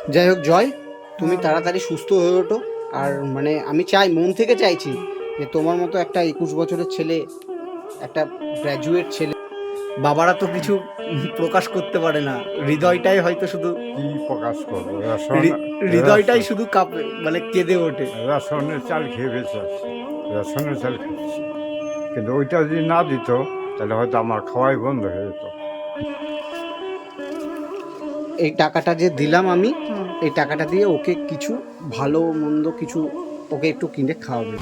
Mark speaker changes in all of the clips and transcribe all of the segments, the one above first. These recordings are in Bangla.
Speaker 1: যাই হোক জয়, তুমি তাড়াতাড়ি সুস্থ হয়ে ওঠো। আর মানে আমি চাই, মন থেকে চাইছি যে তোমার মতো একটা 21 বছরের ছেলে, একটা গ্র্যাজুয়েট ছেলে, বাবারা তো কিছু প্রকাশ করতে পারে না, হৃদয়টাই হয়তো শুধু,
Speaker 2: কি প্রকাশ করবো? রেশন
Speaker 1: হৃদয়টাই
Speaker 2: রেশন
Speaker 1: শুধু কাঁপে, মানে কেঁদে ওঠে।
Speaker 2: রেশনের চাল খেয়ে বেঁচে আছি, রেশনের চাল খাচ্ছি। কিন্তু ওইটা যদি না দিত তাহলে হয়তো আমার খাওয়াই বন্ধ হয়ে যেত।
Speaker 1: এই টাকাটা যে দিলাম আমি, এই টাকাটা দিয়ে ওকে কিছু ভালো মন্দ কিছু ওকে একটু কিনে খাওয়াবে।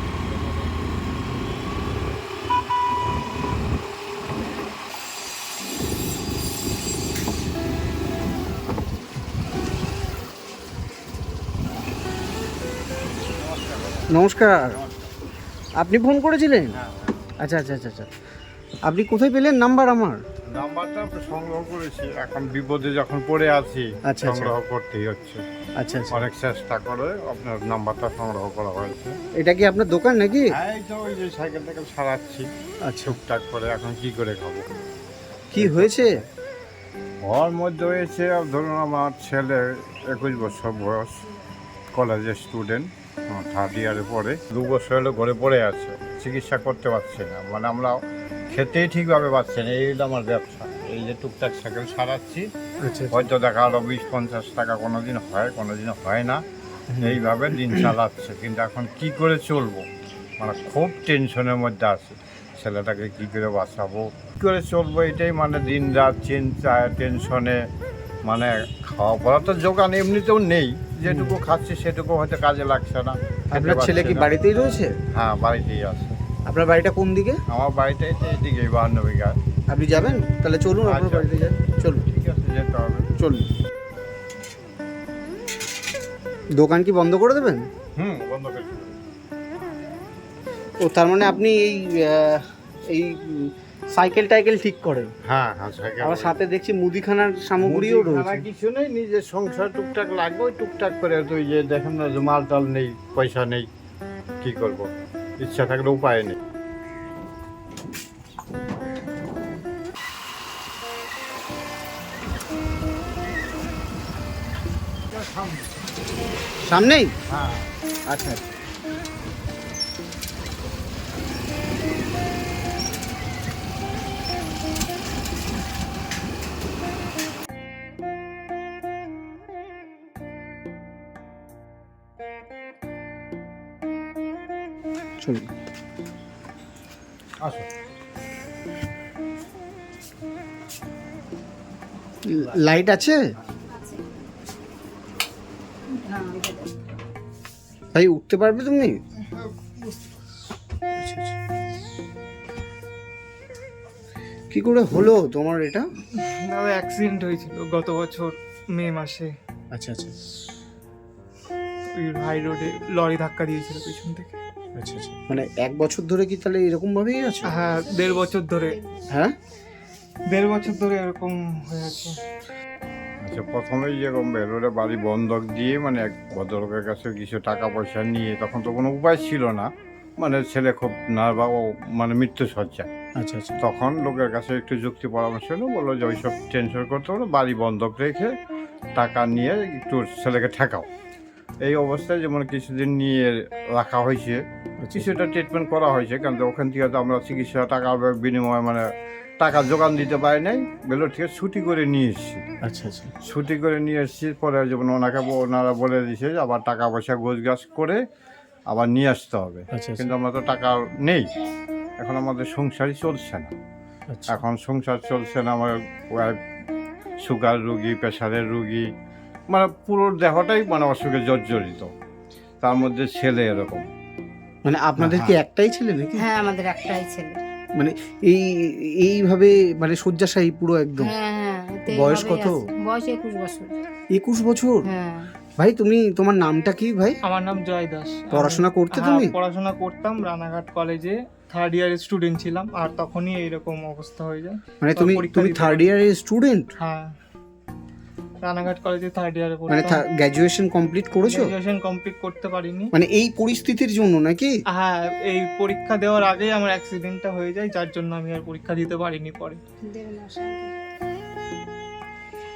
Speaker 1: নমস্কার, আপনি ফোন করেছিলেন? আচ্ছা আচ্ছা আচ্ছা আচ্ছা, আপনি কোথায় পেলেন নাম্বার আমার?
Speaker 2: নাম্বারটা আমরা সংগ্রহ করেছি, এখন বিপদে যখন পড়ে আছি
Speaker 1: আচ্ছা, আচ্ছা।
Speaker 2: সংগ্রহ করতেই হচ্ছে।
Speaker 1: আচ্ছা আচ্ছা,
Speaker 2: অনেক চেষ্টা করে আপনার নাম্বারটা সংগ্রহ করা হয়েছে।
Speaker 1: এটা কি আপনার দোকান নাকি?
Speaker 2: হ্যাঁ, এই তো ওই যে সাইকেল টাইকেল সারাচ্ছি
Speaker 1: আচ্ছা,
Speaker 2: টুকটাক করে। এখন কি করে খাবো?
Speaker 1: কি হয়েছে?
Speaker 2: ওর মধ্যে হয়েছে, ধরুন আমার ছেলে 21 বছর বয়স, কলেজের স্টুডেন্ট, থার্ড ইয়ারে পড়ে। 2 বছর হলো ঘরে পড়ে আছে, চিকিৎসা করতে পারছি না, মানে আমরা খেতেই ঠিকভাবে পাচ্ছি না। এই হলো আমার ব্যবসা, এই যে টুকটাক সাইকেল সারাচ্ছি।
Speaker 1: আচ্ছা
Speaker 2: হয়তো দেখা গেলো 20-50 টাকা কোনোদিন হয়, কোনোদিন হয় না, এইভাবে দিন চালাচ্ছে। কিন্তু এখন কি করে চলবো, মানে খুব টেনশনের মধ্যে আছি। ছেলেটাকে কি করে বাঁচাবো, কী করে চলবো, এটাই মানে দিন রাত চিন্তায় টেনশনে। মানে খাওয়া পড়া তো জোগান এমনিতেও নেই, যেটুকু খাচ্ছি সেটুকু হয়তো কাজে লাগছে না। খেতে
Speaker 1: আপনার ছেলে
Speaker 2: পারছি
Speaker 1: কি
Speaker 2: না।
Speaker 1: বাড়িতেই রয়েছে?
Speaker 2: হ্যাঁ, বাড়িতেই আছে।
Speaker 1: আপনার বাড়িটা কোন দিকে?
Speaker 2: আমার বাড়িটা এই তো এইদিকে 52 বিঘা।
Speaker 1: আপনি যাবেন? তাহলে চলুন আপনার
Speaker 2: আচ্ছা।
Speaker 1: বাড়িতে যান, চলুন
Speaker 2: ঠিক আছে, যেতে হবে।
Speaker 1: চলুন। দোকান কি বন্ধ করে দেবেন?
Speaker 2: বন্ধ করে দিবো।
Speaker 1: ও তার মানে আপনি এই সাইকেল টাইকেল ঠিক করেন?
Speaker 2: হ্যাঁ হ্যাঁ, সাইকেল।
Speaker 1: আবার সাথে দেখছি মুদিখানার সামগ্রীও
Speaker 2: মুদিখানা
Speaker 1: রয়েছে।
Speaker 2: কিছু নেই, নিজের সংসার টুকটাক লাগবে, ওই টুকটাক করে। তো ওই যে দেখেন না যে মাল টাল নেই, পয়সা নেই, কি করব? ইচ্ছা থাকলে উপায় নেই।
Speaker 1: সামনেই?
Speaker 2: হ্যাঁ,
Speaker 1: আচ্ছা। চলুন।
Speaker 2: আসো।
Speaker 1: লাইট আছে? ভাই উঠতে পারবে তুমি? আচ্ছা, আচ্ছা। কি করে হলো তোমার এটা?
Speaker 3: দাদা অ্যাক্সিডেন্ট হয়েছিল গত বছর মে মাসে।
Speaker 1: আচ্ছা আচ্ছা
Speaker 3: ওই হাই রোডে লরি ধাক্কা দিয়েছিল পিছন থেকে।
Speaker 1: আচ্ছা আচ্ছা, মানে 1 বছর ধরে কি তাহলে এরকম ভাবেই আছে?
Speaker 3: হ্যাঁ, 1.5 বছর ধরে।
Speaker 1: হ্যাঁ,
Speaker 3: 1.5 বছর ধরে এরকম হয়ে আছে।
Speaker 2: আচ্ছা, প্রথমেই যেরকম বেরোলে বাড়ি বন্ধক দিয়ে, মানে এক ভদ্রলোকের কাছে কিছু টাকা পয়সা নিয়ে, তখন তো কোনো উপায় ছিল না, মানে ছেলে খুব নার্ভাস, মানে মৃত্যু সজ্জায়।
Speaker 1: আচ্ছা আচ্ছা
Speaker 2: তখন লোকের কাছে একটু যুক্তি পরামর্শ হলো, বললো যে ওইসব টেনশন করতে হলো, বাড়ি বন্ধক রেখে টাকা নিয়ে একটু ছেলেকে ঠেকাও। এই অবস্থায় যেমন কিছুদিন নিয়ে রাখা হয়েছে, কিছুটা ট্রিটমেন্ট করা হয়েছে, কারণ ওখান থেকে তো আমরা চিকিৎসা টাকা বিনিময়ে মানে টাকা জোগান দিতে পারি নাই। বেলোর থেকে ছুটি করে নিয়ে এসেছি।
Speaker 1: আচ্ছা আচ্ছা
Speaker 2: ছুটি করে নিয়ে এসেছি, পরে যেমন ওনারা বলে দিয়েছে যে আবার টাকা পয়সা গোছগাছ করে আবার নিয়ে আসতে হবে।
Speaker 1: আচ্ছা
Speaker 2: কিন্তু আমরা তো টাকা নেই, এখন আমাদের সংসারই চলছে না।
Speaker 1: আচ্ছা।
Speaker 2: এখন সংসার চলছে না, আমার ওয়াইফ সুগার রুগী, প্রেশারের রুগী, মানে পুরো দেহটাই মানে অসুখে জর্জরিত, তার মধ্যে ছেলে এরকম।
Speaker 1: মানে আপনাদের কি একটাই ছেলে নাকি?
Speaker 4: হ্যাঁ, আমাদের একটাই ছেলে।
Speaker 1: মানে এই এইভাবে মানে শয্যাশায়ী পুরো একদম?
Speaker 4: হ্যাঁ হ্যাঁ, এতে
Speaker 1: বয়স
Speaker 4: এইভাবেই
Speaker 1: কত?
Speaker 4: আছে। বয়স 21 বছর।
Speaker 1: 21 বছর?
Speaker 4: হ্যাঁ।
Speaker 1: ভাই তোমার নামটা কি ভাই?
Speaker 3: আমার নাম জয় দাস।
Speaker 1: পড়াশোনা করতে
Speaker 3: হ্যাঁ,
Speaker 1: তুমি?
Speaker 3: পড়াশোনা করতাম, রানাঘাট কলেজে থার্ড ইয়ারের স্টুডেন্ট ছিলাম, আর তখনই এইরকম অবস্থা হয়ে যায়।
Speaker 1: মানে
Speaker 3: তো পরীক্ষা
Speaker 1: তুমি
Speaker 3: দিতে
Speaker 1: থার্ড
Speaker 3: পারি-
Speaker 1: ইয়ারের স্টুডেন্ট?
Speaker 3: হ্যাঁ, রানাঘাট কলেজে থার্ড ইয়ারে
Speaker 1: মানে
Speaker 3: পড়তাম।
Speaker 1: গ্র্যাজুয়েশন কমপ্লিট করেছো?
Speaker 3: গ্রাজুয়েশন কমপ্লিট করতে পারিনি।
Speaker 1: মানে এই পরিস্থিতির জন্য নাকি?
Speaker 3: হ্যাঁ, এই পরীক্ষা দেওয়ার আগেই আমার অ্যাক্সিডেন্টটা হয়ে যায়, যার জন্য আমি আর পরীক্ষা দিতে পারিনি পরে।
Speaker 4: 1.5 মাস আগে।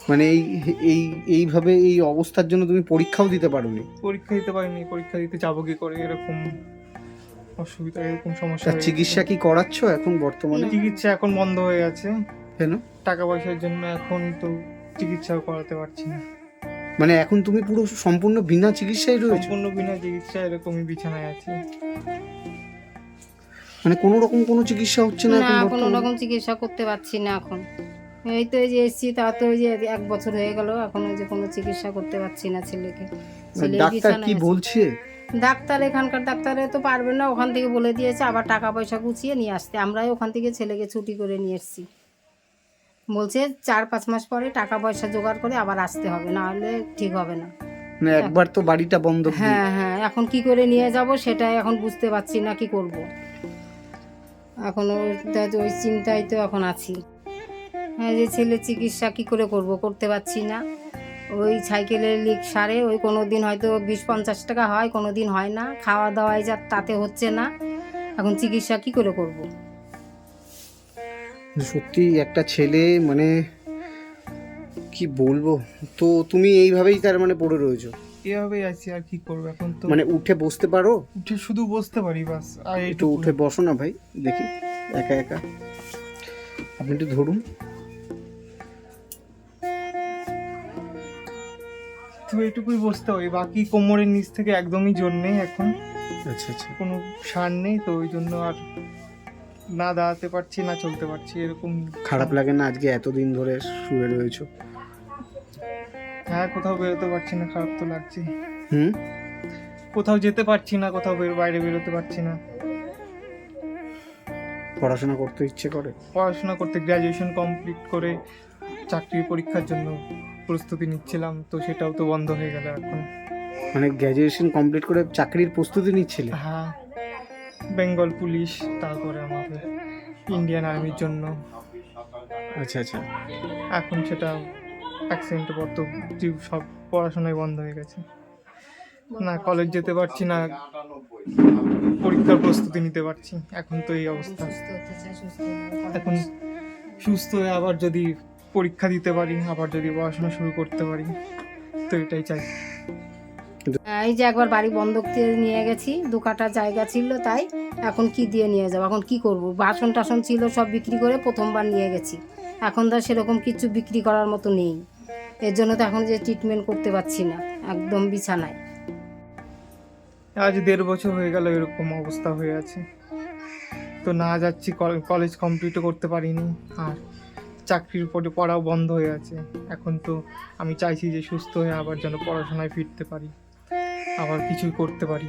Speaker 1: মানে এই এইভাবে এই অবস্থার জন্য তুমি পরীক্ষাও দিতে পারোনি?
Speaker 3: পরীক্ষা দিতে পারিনি, পরীক্ষা দিতে যাবো কি করে, এরকম অসুবিধা, এরকম সমস্যা
Speaker 1: তার
Speaker 3: হয়ে
Speaker 1: চিকিৎসা কি করাচ্ছ এখন বর্তমানে?
Speaker 3: গেছে। চিকিৎসা এখন বন্ধ হয়ে আছে
Speaker 1: কেন?
Speaker 3: টাকা পয়সার জন্য, এখন তো চিকিৎসাও করাতে পারছি না।
Speaker 1: মানে এখন তুমি পুরো সম্পূর্ণ বিনা চিকিৎসায় রয়েছো?
Speaker 3: সম্পূর্ণ বিনা চিকিৎসা এরকমই বিছানায় আছি।
Speaker 1: মানে কোনো রকম কোনো চিকিৎসা হচ্ছে না
Speaker 4: না
Speaker 1: এখন
Speaker 4: কোনো
Speaker 1: বর্তমানে?
Speaker 4: রকম চিকিৎসা করতে পারছি না এখন। এই তো এই যে এসছি, তা তো ওই যে 1 বছর হয়ে গেল, এখন ওই যে কোনো চিকিৎসা করতে পারছি না ছেলেকে। ছেলে
Speaker 1: ডাক্তার
Speaker 4: বিছানায়
Speaker 1: কি
Speaker 4: আছে।
Speaker 1: বলছে?
Speaker 4: ডাক্তার এখানকার ডাক্তারে তো পারবে না, ওখান থেকে বলে দিয়েছে আবার টাকা পয়সা গুছিয়ে নিয়ে আসতে। আমরাই ওখান থেকে ছেলেকে ছুটি করে নিয়ে এসেছি। বলছে 4-5 মাস পরে টাকা পয়সা জোগাড় করে আবার আসতে হবে, না হলে ঠিক হবে না।
Speaker 1: মানে একবার তো বাড়িটা বন্ধ করে
Speaker 4: হ্যাঁ হ্যাঁ, এখন কি করে নিয়ে যাব সেটাই এখন বুঝতে পারছি না কি করব। এখন ওই চিন্তায় তো এখন আছি। হ্যাঁ, যে ছেলের চিকিৎসা কি করে করতে পারছি না। ওই সাইকেলের লিক সারে ওই কোনো দিন হয়তো 20-50 টাকা হয়, কোনো দিন হয় না। খাওয়া দাওয়ায় যা তাতে হচ্ছে না, এখন চিকিৎসা কি করে করব।
Speaker 1: সত্যি একটা ছেলে, মানে কি বলবো। তো তুমি এইভাবেই তার মানে পড়ে রয়েছো?
Speaker 3: এভাবেই আছি, আর কি করবো এখন তো।
Speaker 1: মানে উঠে বসতে পারো?
Speaker 3: উঠে শুধু বসতে পারি বাস, আর
Speaker 1: একটু
Speaker 3: এইটুকু।
Speaker 1: উঠে বসো না ভাই, দেখি একা একা। আপনি একটু ধরুন।
Speaker 3: তো এইটুকুই বসতে হয়, বাকি কোমরের নিচ থেকে একদমই জোর নেই এখন,
Speaker 1: আচ্ছা আচ্ছা।
Speaker 3: কোনো সার নেই, তো ওই জন্য আর না দাঁড়াতে পারছি না চলতে পারছি, এরকম।
Speaker 1: খারাপ লাগে না আজকে এতদিন ধরে শুয়ে রয়েছো?
Speaker 3: হ্যাঁ, কোথাও বেরোতে পারছি না, খারাপ তো লাগছে।
Speaker 1: হুম।
Speaker 3: কোথাও যেতে পারছি না, কোথাও বাইরে বেরোতে পারছি না।
Speaker 1: পড়াশোনা করতে ইচ্ছে করে?
Speaker 3: পড়াশোনা করতে গ্র্যাজুয়েশন কমপ্লিট করে চাকরির পরীক্ষার জন্য প্রস্তুতি নিচ্ছিলাম, তো সেটাও তো বন্ধ হয়ে গেল এখন।
Speaker 1: মানে গ্র্যাজুয়েশন কমপ্লিট করে চাকরির প্রস্তুতি নিচ্ছিলে?
Speaker 3: হ্যাঁ, বেঙ্গল পুলিশ, তারপরে আমাদের ইন্ডিয়ান আর্মির জন্য।
Speaker 1: আচ্ছা আচ্ছা।
Speaker 3: এখন সেটা অ্যাক্সিডেন্টের পর তো সব পড়াশোনাই বন্ধ হয়ে গেছে। না কলেজ যেতে পারছি না, পরীক্ষার প্রস্তুতি নিতে পারছি, এখন তো এই অবস্থা।
Speaker 4: সুস্থ হতে চাই, সুস্থ হলে
Speaker 3: এখন সুস্থ হয়ে আবার যদি পরীক্ষা দিতে পারি, আবার যদি পড়াশোনা শুরু করতে পারি, তো এটাই চাই।
Speaker 4: এই যে একবার বাড়ি বন্ধক দিয়ে নিয়ে গেছি, 2 কাঠা জায়গা ছিল, তাই এখন কি দিয়ে নিয়ে যাবো, এখন কি করব। বাসন টাসন ছিল সব বিক্রি করে প্রথমবার নিয়ে গেছি, এখন তো আর সেরকম কিছু বিক্রি করার মতো নেই। এর জন্য তো এখন যে ট্রিটমেন্ট করতে পারছি না, একদম বিছানায়।
Speaker 3: আজ 1.5 বছর হয়ে গেল এরকম অবস্থা হয়ে আছে, তো না যাচ্ছি, কলেজ কমপ্লিটও করতে পারিনি, আর চাকরির পরে পড়াও বন্ধ হয়ে আছে। এখন তো আমি চাইছি যে সুস্থ হয়ে আবার যেন পড়াশোনায় ফিরতে পারি, আবার কিছুই করতে পারি।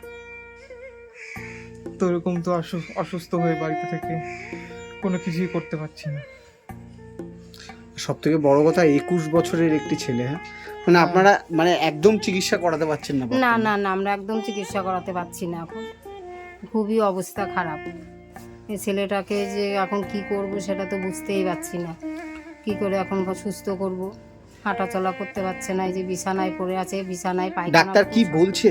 Speaker 3: তো এরকম তো অসুস্থ হয়ে বাড়িতে থেকে কোনো কিছুই করতে পারছি না।
Speaker 1: সব থেকে বড় কথা 21 বছরের একটি ছেলে। হ্যাঁ, মানে আপনারা মানে একদম চিকিৎসা করাতে পারছেন না?
Speaker 4: না না না, আমরা একদম চিকিৎসা করাতে পারছি না এখন, খুবই অবস্থা খারাপ। এই ছেলেটাকে যে এখন কি করব সেটা তো বুঝতেই পারছি না, কি করে এখন সুস্থ করব। হাঁটা চলা করতে পারছে না, এই যে বিছানায় পড়ে আছে, বিছানায় পায়খানা।
Speaker 1: ডাক্তার কি বলছে?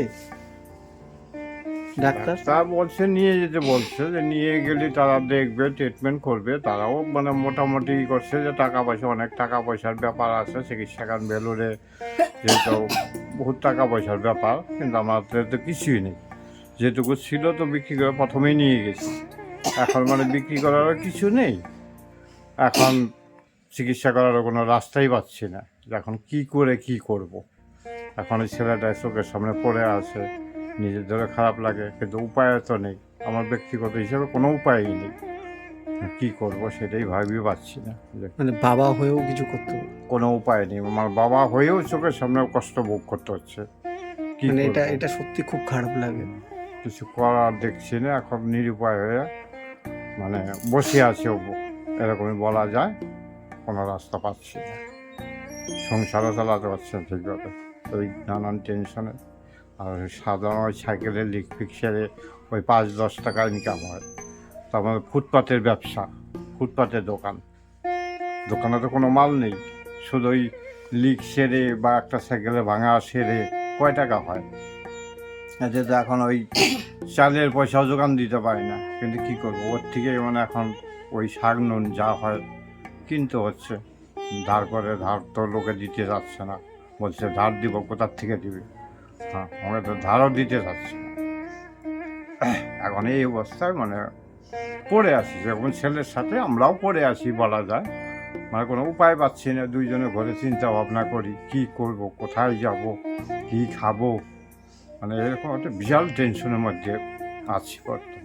Speaker 1: ডাক্তার
Speaker 2: তা বলছে নিয়ে যেতে বলছে, যে নিয়ে গেলে তারা দেখবে, ট্রিটমেন্ট করবে। তারাও মানে মোটামুটি করছে যে টাকা পয়সা, অনেক টাকা পয়সার ব্যাপার আছে চিকিৎসাখান বেলুরে, যেহেতু বহুত টাকা পয়সার ব্যাপার, কিন্তু আমাদের তো কিছুই নেই। যেটুকু ছিল তো বিক্রি করে প্রথমেই নিয়ে গেছি, এখন মানে বিক্রি করারও কিছু নেই। এখন চিকিৎসা করারও কোনো রাস্তাই পাচ্ছি না, যে এখন কি করে কি করব। এখন এই ছেলেটা চোখের সামনে পড়ে আছে, নিজের ধরে খারাপ লাগে, কিন্তু উপায় তো নেই। আমার ব্যক্তিগত হিসেবে কোনো উপায়ই নেই, কি করব সেটাই ভাবিয়ে পাচ্ছি না, যে
Speaker 1: মানে বাবা হয়েও কিছু করতে হবে?
Speaker 2: কোনো উপায় নেই। আমার বাবা হয়েও চোখের সামনে কষ্ট ভোগ করতে হচ্ছে। কি
Speaker 1: মানে
Speaker 2: করব?
Speaker 1: এটা সত্যি খুব খারাপ লাগে।
Speaker 2: কিছু করার দেখছি না, এখন নিরুপায় হয়ে মানে বসে আছে, এরকমই বলা যায়। কোনো রাস্তা পাচ্ছি না, সংসারও চালাতে পারছি না ঠিকভাবে, ওই নানান টেনশনে। আর সাধারণ ওই সাইকেলের লিক ফিক সেরে ওই 5-10 টাকা ইনকাম হয়। তারপরে ফুটপাতের ব্যবসা, ফুটপাতের দোকানে তো কোনো মাল নেই, শুধু ওই লিক সেরে বা একটা সাইকেলে ভাঙা সেরে কয় টাকা হয়। যেহেতু এখন ওই চালের পয়সাও যোগান দিতে পারি না, কিন্তু কী করবো, ওর থেকে মানে এখন ওই শাক নুন যা হয় কিনতে হচ্ছে। ধার করে, ধার তো লোকে দিতে যাচ্ছে না, বলছে ধার দিব, কোথার থেকে দিবে? হ্যাঁ, আমাকে তো ধারও দিতে যাচ্ছে না। এখন এই অবস্থায় মানে পড়ে আছি, যখন ছেলের সাথে আমরাও পড়ে আছি বলা যায়। মানে কোনো উপায় পাচ্ছি না, দুইজনে ঘরে চিন্তা ভাবনা করি কি করব, কোথায় যাব, কি খাবো, মানে এরকম একটা বিশাল টেনশনের মধ্যে আছি বর্তমানে।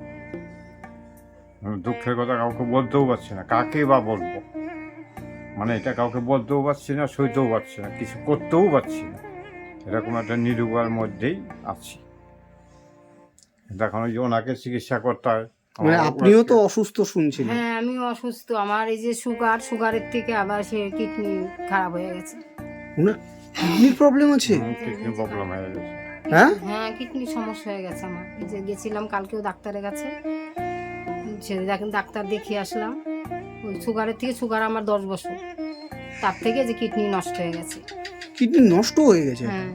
Speaker 2: দুঃখের কথা কাউকে বলতেও পারছি না, কাকে বা বলবো, মানে এটা কাউকে বলতেও পারছি না, সইতেও পারছি না, কিছু করতেও পারছি না, এরকম একটা নিরুপায়ের মধ্যেই আছি। এখন ওই যে ওনাকে চিকিৎসা করতে হয়।
Speaker 1: মানে আপনিও তো অসুস্থ শুনছিলেন।
Speaker 4: হ্যাঁ, আমিও অসুস্থ। আমার এই যে সুগারের থেকে আবার সে কিডনি খারাপ হয়ে গেছে।
Speaker 1: ওনার কিডনির প্রবলেম আছে?
Speaker 2: কিডনি প্রবলেম হয়ে গেছে।
Speaker 1: হ্যাঁ,
Speaker 4: হ্যাঁ, কিডনির সমস্যা হয়ে গেছে আমার। এই যে গেছিলাম কালকেও ডাক্তারের কাছে, সে দেখেন ডাক্তার দেখিয়ে আসলাম। ওই সুগারের থেকে, সুগার আমার 10 বছর, তার থেকে যে কিডনি নষ্ট হয়ে গেছে।
Speaker 1: কিডনি নষ্ট হয়ে গেছে?
Speaker 4: হ্যাঁ,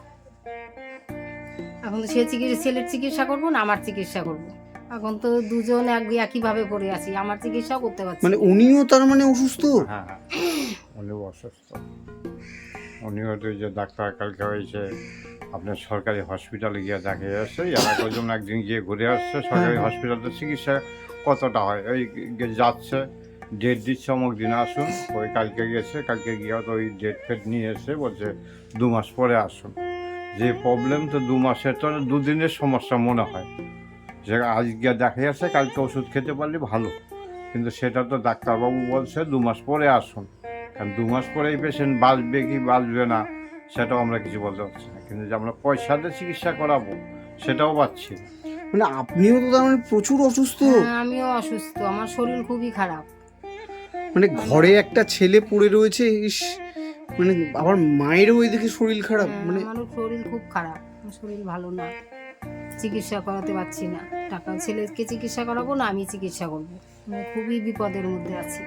Speaker 4: এখন তো ছেলের চিকিৎসা করবো না আমার চিকিৎসা করবো? এখন তো দুজন একইভাবে পড়ে আছি, আমার চিকিৎসাও করতে পারছি
Speaker 1: মানে
Speaker 4: না।
Speaker 1: উনিও তার মানে অসুস্থ?
Speaker 2: হ্যাঁ, উনিও অসুস্থ। উনিও তো যে ডাক্তার কালকে হয়েছে আপনার সরকারি হসপিটালে গিয়ে দেখে আসছে, এলাকার জন্য একদিন গিয়ে ঘুরে আসছে। সরকারি হসপিটালে চিকিৎসা কতটা হয়, ওই যাচ্ছে, ডেট দিচ্ছে, অমুক দিন আসুন। ওই কালকে গেছে, কালকে গিয়ে তো ওই ডেট ফেট নিয়ে এসে বলছে 2 মাস পরে আসুন। যে প্রবলেম, তো 2 মাসের তো 2 দিনের সমস্যা মনে হয়, যে আজকে দেখে আসছে, কালকে ওষুধ খেতে পারলে ভালো, কিন্তু সেটা তো ডাক্তারবাবু বলছে 2 মাস পরে আসুন। কারণ 2 মাস পরে এই পেশেন্ট বাঁচবে কি বাঁচবে না সেটাও আমরা কিছু বলতে পারছি না, কিন্তু যে আমরা পয়সা দিয়ে চিকিৎসা করাবো সেটাও পাচ্ছি না।
Speaker 1: মানে আপনিও তো তার মানে প্রচুর অসুস্থ?
Speaker 4: হ্যাঁ, আমিও অসুস্থ, আমার শরীর খুবই খারাপ।
Speaker 1: মানে ঘরে একটা ছেলে পড়ে রয়েছে, ইস, মানে আবার মায়েরও ওইদিকে শরীর খারাপ।
Speaker 4: হ্যাঁ,
Speaker 1: মানে
Speaker 4: আমারও শরীর খুব খারাপ, আমার শরীর ভালো না, চিকিৎসা করাতে পারছি না। টাকা ছেলেকে চিকিৎসা করাবো না আমি চিকিৎসা করবো, আমি খুবই বিপদের মধ্যে আছি।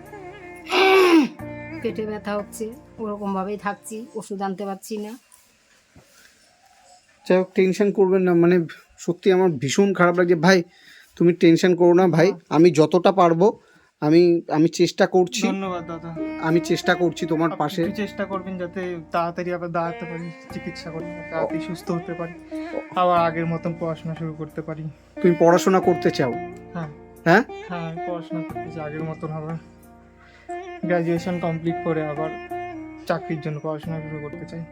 Speaker 4: পেটে ব্যথা হচ্ছে, ওরকম ভাবেই থাকছি, ওষুধ আনতে পারছি না।
Speaker 1: যাই হোক, টেনশন করবেন না, মানে সত্যি আমার ভীষণ খারাপ লাগছে ভাই। তুমি টেনশন করো না ভাই, আমি যতটা পারবো আমি চেষ্টা করছি।
Speaker 3: ধন্যবাদ দাদা।
Speaker 1: আমি চেষ্টা করছি তোমার
Speaker 3: আপনি
Speaker 1: পাশে।
Speaker 3: একটু চেষ্টা করবেন যাতে তাড়াতাড়ি আবার দাঁড়াতে পারি, চিকিৎসা করতে তাড়াতাড়ি সুস্থ হতে পারি, আবার আগের মতন পড়াশোনা শুরু করতে পারি।
Speaker 1: তুমি পড়াশোনা করতে চাও?
Speaker 3: হ্যাঁ
Speaker 1: হ্যাঁ,
Speaker 3: হ্যাঁ, আমি পড়াশোনা করতে চাই আগের মতন, আবার গ্র্যাজুয়েশন কমপ্লিট করে আবার চাকরির জন্য পড়াশোনা শুরু করতে চাই।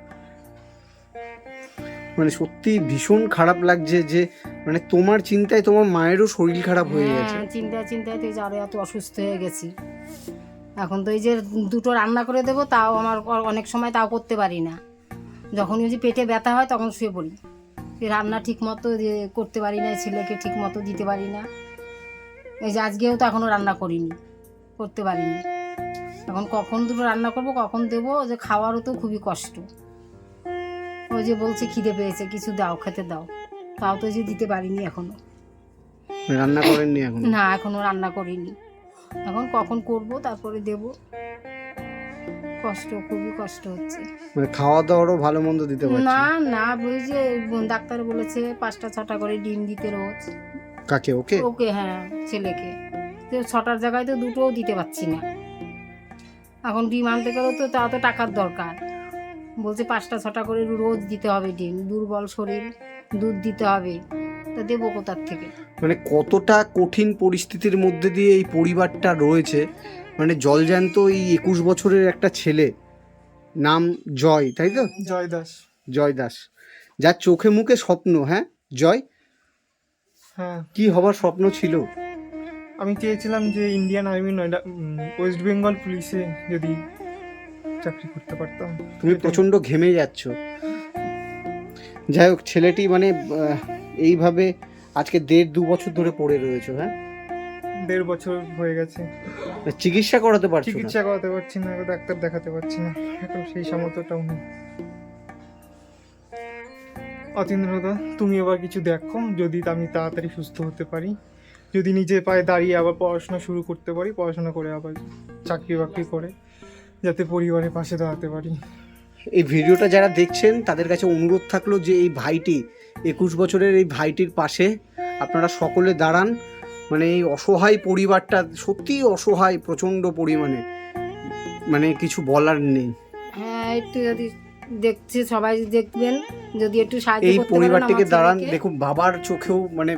Speaker 1: মানে সত্যি ভীষণ খারাপ লাগছে যে মানে তোমার চিন্তায় তোমার মায়েরও শরীর খারাপ হয়ে গেছে।
Speaker 4: হ্যাঁ, চিন্তায় তো এই যে আরো এত অসুস্থ হয়ে গেছি। এখন তো এই যে দুটো রান্না করে দেবো, তাও আমার অনেক সময় তাও করতে পারি না। যখন ওই যে পেটে ব্যথা হয় তখন শুয়ে পড়ি, রান্না ঠিক মতো করতে পারি না, ছেলেকে ঠিক মতো দিতে পারি না। এই যে আজকেও তো এখনও রান্না করিনি, করতে পারিনি। এখন কখন দুটো রান্না করব, কখন দেবো, যে খাওয়ারও তো খুবই কষ্ট। ওই যে বলছে খিদে পেয়েছে, কিছু দাও, খেতে দাও, তাও তো যে দিতে পারিনি এখনো।
Speaker 1: রান্না করেননি এখন?
Speaker 4: না, এখনো রান্না করিনি, এখন কখন করব তারপরে দেব। কষ্ট, খুবই কষ্ট হচ্ছে।
Speaker 1: মানে খাওয়া দাওয়ারও ভালো মন্দ দিতে পারছি
Speaker 4: না না, ওই যে ডাক্তার বলেছে 5টা 6টা করে ডিম দিতে রোজ।
Speaker 1: কাকে? ওকে?
Speaker 4: ওকে, হ্যাঁ, ছেলেকে। তো 6টার জায়গায় তো 2টোও দিতে পারছি না। এখন ডিম আনতে গেলেও তো তা তো টাকার দরকার। বলছে 5টা 6টা করে রোজ দিতে হবে ডিম, দুর্বল শরীর, দুধ দিতে হবে, তা দেবো কোথার থেকে?
Speaker 1: মানে কতটা কঠিন পরিস্থিতির মধ্যে দিয়ে এই পরিবারটা রয়েছে। মানে জলজ্যান্ত এই 21 বছরের একটা ছেলে, নাম জয়, তাই তো?
Speaker 3: জয় দাস।
Speaker 1: জয় দাস, যার চোখে মুখে স্বপ্ন। হ্যাঁ জয়,
Speaker 3: হ্যাঁ,
Speaker 1: কি হবার স্বপ্ন ছিল?
Speaker 3: আমি চেয়েছিলাম যে Indian army Noida, west Bengal পুলিশে যদি চাকরি করতে পারতাম।
Speaker 1: তুমি প্রচণ্ড ঘেমে যাচ্ছ। যাই হোক, ছেলেটি মানে এইভাবে আজকে 1.5-2 বছর ধরে পড়ে রয়েছে। হ্যাঁ,
Speaker 3: 1.5 বছর হয়ে গেছে,
Speaker 1: চিকিৎসা করাতে পারছো না?
Speaker 3: চিকিৎসা করাতে পারছি না, ডাক্তার দেখাতে পারছি না, এখন সেই সামর্থ্যটাও নেই। অতীন্দ্রদা, তুমি এবার কিছু দেখো, যদি আমি তাড়াতাড়ি সুস্থ হতে পারি, যদি নিজে পায়ে দাঁড়িয়ে আবার পড়াশোনা শুরু করতে পারি, পড়াশোনা করে আবার চাকরি বাকরি করে যাতে পরিবারের পাশে দাঁড়াতে পারি।
Speaker 1: এই ভিডিওটা যারা দেখছেন তাদের কাছে অনুরোধ থাকলো যে এই ভাইটি, 21 বছরের এই ভাইটির পাশে আপনারা সকলে দাঁড়ান। মানে এই অসহায় পরিবারটা সত্যিই অসহায় প্রচণ্ড পরিমাণে। মানে কিছু বলার নেই।
Speaker 4: হ্যাঁ একটু যদি দেখছে সবাই দেখবেন, যদি একটু সাহায্য
Speaker 1: এই
Speaker 4: করতে পারেন
Speaker 1: পরিবারটিকে
Speaker 4: আমার
Speaker 1: দাঁড়ান,
Speaker 4: ছেলেকে।
Speaker 1: দেখুন বাবার চোখেও মানে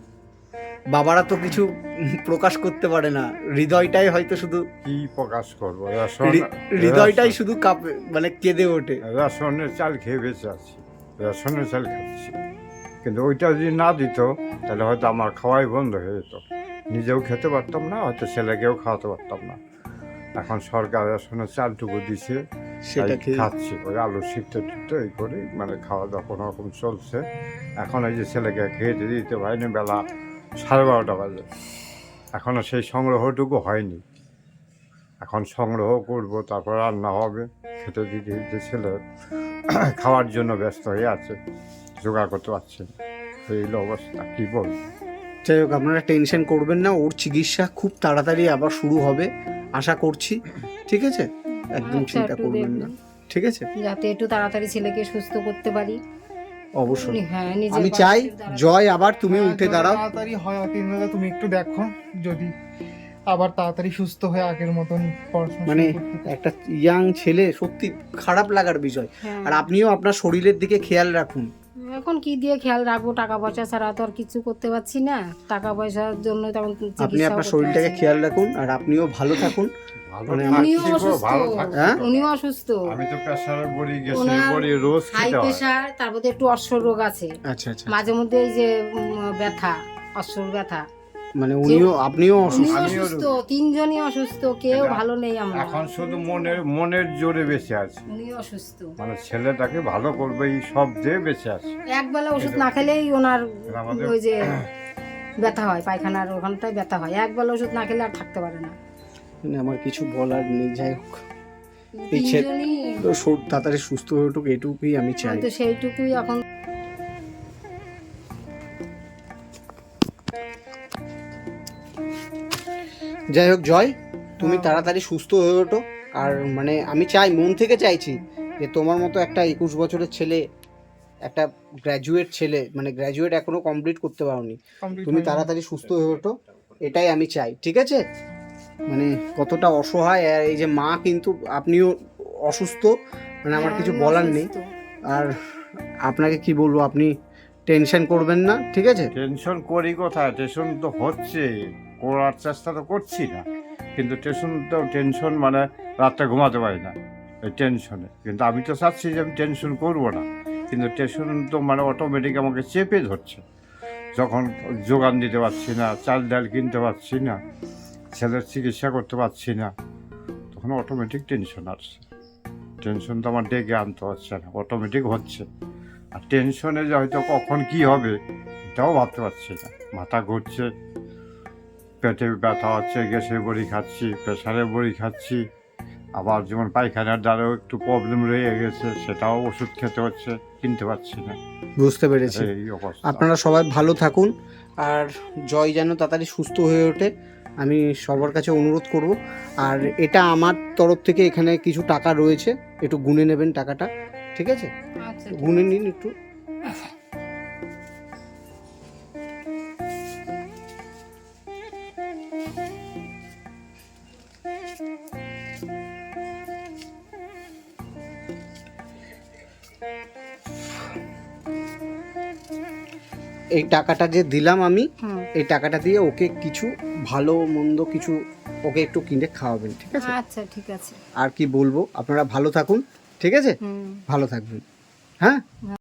Speaker 1: বাবারা তো কিছু প্রকাশ করতে পারে না, হৃদয়টাই হয়তো শুধু
Speaker 2: কি প্রকাশ করবো?
Speaker 1: হৃদয়টাই শুধু কাঁপে, মানে কেঁদে ওঠে।
Speaker 2: রেশনের চাল খেয়ে বেঁচে আছি, রেশনের চাল খাচ্ছি। কিন্তু ওইটা যদি না দিত তাহলে হয়তো আমার খাওয়াই বন্ধ হয়ে যেত, নিজেও খেতে পারতাম না, হয়তো ছেলেকেও খাওয়াতে পারতাম না। এখন সরকার রেশনের চালটুকু দিছে,
Speaker 1: সেটা
Speaker 2: তাই খাচ্ছি। ওই আলু সিদ্ধ টিদ্ধ এই করে মানে খাওয়া দাওয়া কোনো রকম চলছে। এখন এই যে ছেলেকে খেতে দিতে পারিনি, বেলা 12:30 বাজে, এখনও সেই সংগ্রহটুকু হয়নি। এখন সংগ্রহ করব, তারপর রান্না হবে, খেতে দিতে দিতে ছেলে খাওয়ার জন্য ব্যস্ত হয়ে আছে, জোগাড় করতে পারছে না। এই হলো অবস্থা, কী বলবো।
Speaker 1: যাই হোক, আপনারা টেনশন করবেন না, ওর চিকিৎসা খুব তাড়াতাড়ি আবার শুরু হবে আশা করছি, ঠিক আছে? একদম
Speaker 4: আচ্ছা,
Speaker 1: চিন্তা
Speaker 4: একটু
Speaker 1: করবেন না,
Speaker 4: দেখবেন।
Speaker 1: ঠিক আছে?
Speaker 4: যাতে একটু তাড়াতাড়ি ছেলেকে সুস্থ করতে পারি।
Speaker 1: অবশ্যই
Speaker 4: হ্যাঁ নিজের
Speaker 1: আমি
Speaker 4: পায়ে
Speaker 1: চাই
Speaker 4: একটু দাঁড়াতে।
Speaker 1: জয় আবার তুমি
Speaker 3: হ্যাঁ,
Speaker 1: উঠে
Speaker 3: যত
Speaker 1: দাঁড়াও।
Speaker 3: তাড়াতাড়ি হয় অতীন্দ্রদা, তুমি একটু দেখো যদি আবার তাড়াতাড়ি সুস্থ হয়ে আগের মতন পড়াশোনা
Speaker 1: মানে
Speaker 3: শুরু করতে পারি।
Speaker 1: একটা ইয়াং ছেলে, সত্যি খারাপ লাগার বিষয়।
Speaker 4: হ্যাঁ।
Speaker 1: আর আপনিও আপনার শরীরের দিকে খেয়াল রাখুন।
Speaker 4: এখন কি দিয়ে খেয়াল রাখবো, টাকা পয়সা ছাড়া তো আর কিছু করতে পারছি না। টাকা পয়সার জন্য তখন
Speaker 1: আপনি
Speaker 4: চিকিৎসাও
Speaker 1: আপনার
Speaker 4: করতে
Speaker 1: শরীরটাকে
Speaker 4: পারছি না।
Speaker 1: খেয়াল রাখুন, আর আপনিও ভালো থাকুন।
Speaker 2: ভালো
Speaker 1: মানে
Speaker 2: থাকছি
Speaker 4: উনিও
Speaker 2: গো,
Speaker 4: অসুস্থ,
Speaker 2: ভালো থাকছি
Speaker 1: হ্যাঁ?
Speaker 2: তো।
Speaker 4: উনিও অসুস্থ।
Speaker 2: আমি তো প্রেশারের বড়ি গেছে,
Speaker 4: ওনার
Speaker 2: বড়ি রোজ
Speaker 4: হাই
Speaker 2: খেতে হয়।
Speaker 4: প্রেশার, তারপরে একটু অশ্ব রোগ আছে।
Speaker 1: আচ্ছা আচ্ছা,
Speaker 4: মাঝে মধ্যে এই যে ব্যথা, অশ্বর ব্যথা।
Speaker 1: মানে আপনিও অসুস্থ।
Speaker 4: উনিও
Speaker 2: আমিও
Speaker 4: অসুস্থ, তিনজনই অসুস্থ, কেউ ভালো নেই আমরা।
Speaker 2: এখন শুধু মনের জোরে বেঁচে আছে,
Speaker 4: উনিও অসুস্থ।
Speaker 2: মানে ছেলেটাকে ভালো করবে এই সব দিয়ে বেঁচে আছে।
Speaker 4: একবেলা ওষুধ না খেলেই ওনার
Speaker 2: আমাদের-
Speaker 4: ওই যে ব্যথা হয়, পায়খানার ওখানটায় ব্যথা হয়। একবেলা ওষুধ না খেলে আর থাকতে পারে না।
Speaker 1: মানে আমার কিছু বলার নেই। যাই হোক, এই ছে-
Speaker 4: তিনজনই
Speaker 1: তো তাড়াতাড়ি সুস্থ হয়ে উঠুক, এটুকুই আমি চাই।
Speaker 4: হয়তো সেইটুকুই এখন।
Speaker 1: যাই হোক জয়, তুমি তাড়াতাড়ি সুস্থ হয়ে ওঠো। আর মানে আমি চাই, মন থেকে চাইছি যে তোমার মতো একটা 21 বছরের ছেলে, একটা গ্র্যাজুয়েট ছেলে, মানে গ্র্যাজুয়েট এখনো কমপ্লিট করতে পারোনি,
Speaker 3: Complete
Speaker 1: তুমি
Speaker 3: হয়নি।
Speaker 1: তাড়াতাড়ি সুস্থ হয়ে ওঠো, এটাই আমি চাই, ঠিক আছে? মানে কতটা অসহায়, আর এই যে মা কিন্তু আপনিও অসুস্থ, মানে আমার কিছু
Speaker 4: আমি
Speaker 1: বলার নেই।
Speaker 4: অসুস্থ।
Speaker 1: আর আপনাকে কি বলবো, আপনি টেনশন করবেন না, ঠিক আছে?
Speaker 2: টেনশন করি কোথায়, টেনশন তো হচ্ছে, করার চেষ্টা তো করছি না, কিন্তু টেনশন মানে রাতটা ঘুমাতে পারি না এই টেনশনে। কিন্তু আমি তো চাচ্ছি যে আমি টেনশন করবো না, কিন্তু টেনশন তো মানে অটোমেটিক আমাকে চেপে ধরছে। যখন যোগান দিতে পারছি না, চাল ডাল কিনতে পারছি না, ছেলের চিকিৎসা করতে পারছি না, তখন অটোমেটিক টেনশন আসছে। টেনশন তো আমার ডেকে আনতে হচ্ছে না, অটোমেটিক হচ্ছে। আর টেনশনে যে হয়তো কখন কি হবে এটাও ভাবতে পারছি না, মাথা ঘুরছে, পেটে ব্যথা হচ্ছে, গ্যাসের বড়ি খাচ্ছি, প্রেশারের বড়ি খাচ্ছি, আবার যেমন পায়খানার দ্বারাও একটু প্রবলেম রয়ে গেছে, সেটাও ওষুধ খেতে হচ্ছে, কিনতে পারছি না।
Speaker 1: বুঝতে পেরেছি।
Speaker 2: এই অবস্থা।
Speaker 1: আপনারা সবাই ভালো থাকুন, আর জয় যেন তাড়াতাড়ি সুস্থ হয়ে ওঠে, আমি সবার কাছে অনুরোধ করব। আর এটা আমার তরফ থেকে এখানে কিছু টাকা রয়েছে, একটু গুনে নেবেন টাকাটা, ঠিক আছে?
Speaker 4: আচ্ছা ঠিক
Speaker 1: গুনে
Speaker 4: আছে।
Speaker 1: নিন একটু। এই টাকাটা যে দিলাম আমি,
Speaker 4: হুম।
Speaker 1: এই টাকাটা দিয়ে ওকে কিছু ভালো মন্দ কিছু ওকে একটু কিনে খাওয়াবেন, ঠিক আছে?
Speaker 4: আচ্ছা ঠিক আছে।
Speaker 1: আর কি বলবো, আপনারা ভালো থাকুন, ঠিক আছে?
Speaker 4: হুম।
Speaker 1: ভালো থাকবেন, হ্যাঁ।